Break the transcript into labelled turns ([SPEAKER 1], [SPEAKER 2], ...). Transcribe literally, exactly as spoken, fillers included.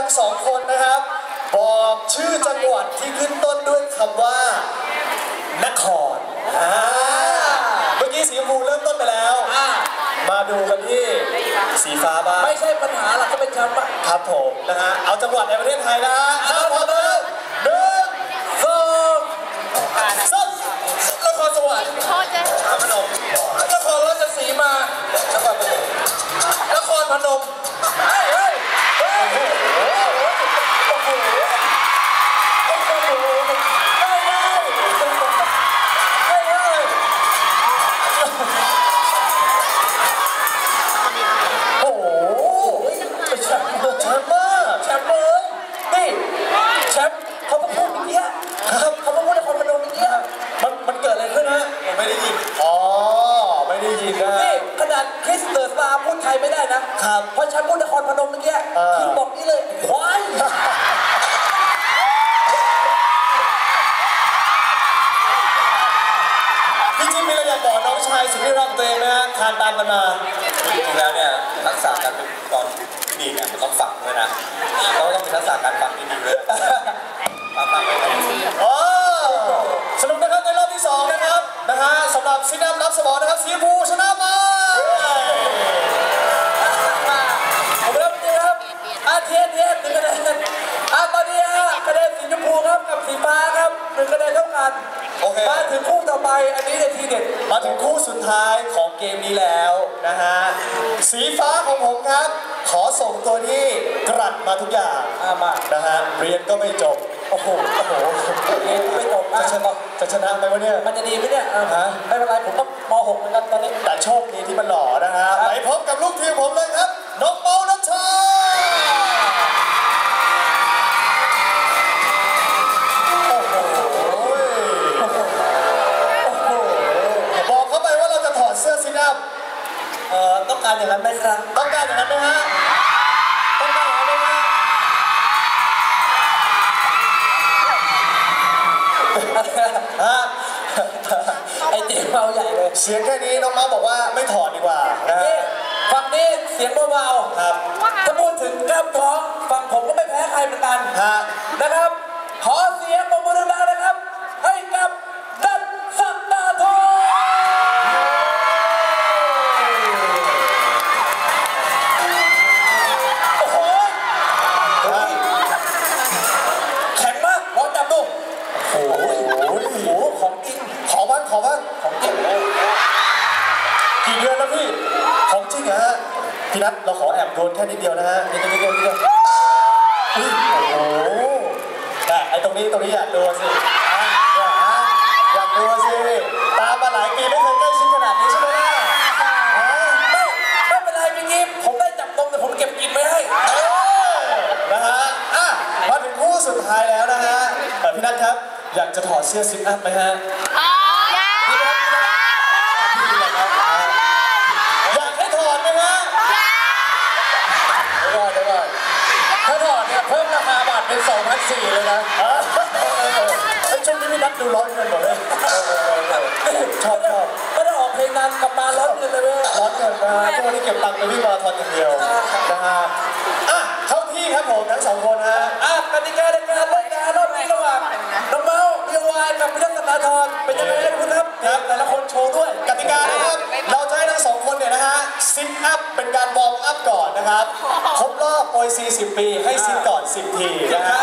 [SPEAKER 1] งสองคนนะครับบอกชื่อจังหวัดที่ขึ้นต้นด้วยคำว่านครเมื่อกี้สีชมพูเริ่มต้นไปแล้วมาดูกันที่สีฟ้าบ้าง
[SPEAKER 2] ไม่ใช่ปัญหาหรอกก็เป็นคำว่า
[SPEAKER 1] ครับผมนะฮะเอาจังหวัดในประเทศไทยนะฮะเอาพร้อมแล้วหนึ่งสองสามนครสวรรค์นครพนม
[SPEAKER 2] นครราชสีมานครพนมนครพนมเฮ้ยเฮ้ยเฮ้ยโอ้โหโอ้โหโอ้โหไม่ได้ไม่ได้โอ้โหแชมป์แชมป์มากแชมป์เลยนี่แชมป์เขามาพูดอย่างเงี้ยเขามาพูดนครพนมอย่างเงี้ยมันมันเกิดอะไรขึ้นฮะ
[SPEAKER 1] ผมไม่ได้ยินอ๋อไม่ได้ยินนะ
[SPEAKER 2] นี่ขนาดคริสเตอร์สตาร์พูดไทยไม่ได้นะครับเพราะฉันพูดนครพนมเมื่อกี้คือบอกนี่เลยควาย
[SPEAKER 1] พี่จิ๊บมีอะไรอยากบอกน้องชายสุดที่รักตัวเองนะฮะทานตามกันมา
[SPEAKER 3] จริงๆแล้วเนี่ยทักษะการเป็นกรดีเนี่ยมันต้องฝังด้วยนะเราต้องมีทักษะการฟังดีๆด้วยฟังฟังไปเลย
[SPEAKER 1] โอ้สนุกนะครับในรอบที่สองนะครับนะฮะสำหรับซินัมรับสมองนะครับสีชมพูชนะมา
[SPEAKER 2] ผมเริ่มจริงครับอาเทียนเทียนหนึ่งคะแนนอาตอนนี้ฮะคะแนนสีชมพูครับกับสีฟ้าครับหนึ่งคะแนนเท่ากัน
[SPEAKER 1] โอเค
[SPEAKER 2] มาถึงคู่ต่อไปอันนี้เนี่ยทีเด็ด
[SPEAKER 1] มาถึงคู่สุดท้ายของเกมนี้แล้วนะฮะสีฟ้าของผมครับขอส่งตัวที่กรัดมาทุกอย่าง
[SPEAKER 2] มา
[SPEAKER 1] นะฮะเรียนก็ไม่จบโอ้โหโอ้โห
[SPEAKER 2] เรียนไม่จบ
[SPEAKER 1] จะชนะจะชนะไหมวะเนี่ย
[SPEAKER 2] มันจะดีไหมเนี่ยไม่เป็นไรผมก็ม หกเหมือนกันตอนนี้
[SPEAKER 1] แต่โชคดีที่มันหล่อนะฮะไปพบกับลูกทีมผมเลยครับน้องเปานัชชาบอกเขาไปว่าเราจะถอดเสื้อซินับ
[SPEAKER 2] เอ่อต้องการอย่างนั้นไหมครับ
[SPEAKER 1] ต้องการอย่างนั้นไหมฮะต้องการอย่างนั้นไหมฮะฮะ
[SPEAKER 2] ไอเจ๊เมาใหญ่เลย
[SPEAKER 1] เสียงแค่นี้น้องม้าบอกว่าไม่ถอดดีกว่านะ
[SPEAKER 2] ฝั่งนี้เสียงเบา
[SPEAKER 1] ๆครับ
[SPEAKER 2] ถ้าพูดถึงกล้ามท้องฝั่งผมก็ไม่แพ้ใครเหมือนกันนะครับขอเสียงปรบมือดังๆนะครับให้กับดันสักดาทองโอ้โหแข็งมากลองจับดู
[SPEAKER 1] โอ้โห
[SPEAKER 2] ของจริง
[SPEAKER 1] ขอบ้างขอบ้าง
[SPEAKER 2] ของจริงเลย
[SPEAKER 1] กี่เดือนแล้วพี่ของจริงฮะพี่นัทเราขอแอบโดนแค่นิดเดียวนะฮะนิดเดียวนิดเดียวนิดเดียวโอ้โหแต่ไอ้ตรงนี้ตรงนี้อยากดูสิอยากดูสิตามมาหลายปีไม่เคยใกล้ชิดขนาดนี้ใช่ไหม
[SPEAKER 2] ไม่ไม่เป็นไรพี่กิ๊ฟผมได้จับตรงแต่ผมเก็บกินไว้ให้
[SPEAKER 1] นะฮะอ่ะมาถึงคู่สุดท้ายแล้วนะฮะพี่นัทครับอยากจะถอดเสื้อซิทอัพไหมฮะอยากให้ถอดไหมฮะ
[SPEAKER 2] เดี๋ยวก่อนเดี๋ยวก่อนถ้าถอดเนี่ยเพิ่มราคาบัตรเป็น สองพันสี่ร้อย เลยนะ
[SPEAKER 1] ไอ้ช่วงนี้พี่นัทดูร้อนเงินหมดเลยชอบชอบ
[SPEAKER 2] ไม่ได้ออกเพลงนานกลับมาร้อนเงินเลยเว้ย
[SPEAKER 1] ร้อนเงินนะทุกวันนี้เก็บตังค์ไปวิ่งมาราธอนอย่างเดียวนะฮะอ่ะเข้าที่ครับผมทั้งสองคนฮะ
[SPEAKER 2] อ่ะกติกาในการเล่นงานรอบนี้ระหว่างน้องเมาส์เบียร์วายกับพี่นัทธนาธรเป็นยังไงคุณครับครับแต่ละคนโชว์ด้วย
[SPEAKER 1] กติกานะครับเราจะให้ทั้งสองคนเนี่ยนะฮะซิทอัพเป็นการวอร์มอัพก่อนนะครับครบรอบโอยสี่สิบปีให้ซิทก่อนสิบทีนะฮะ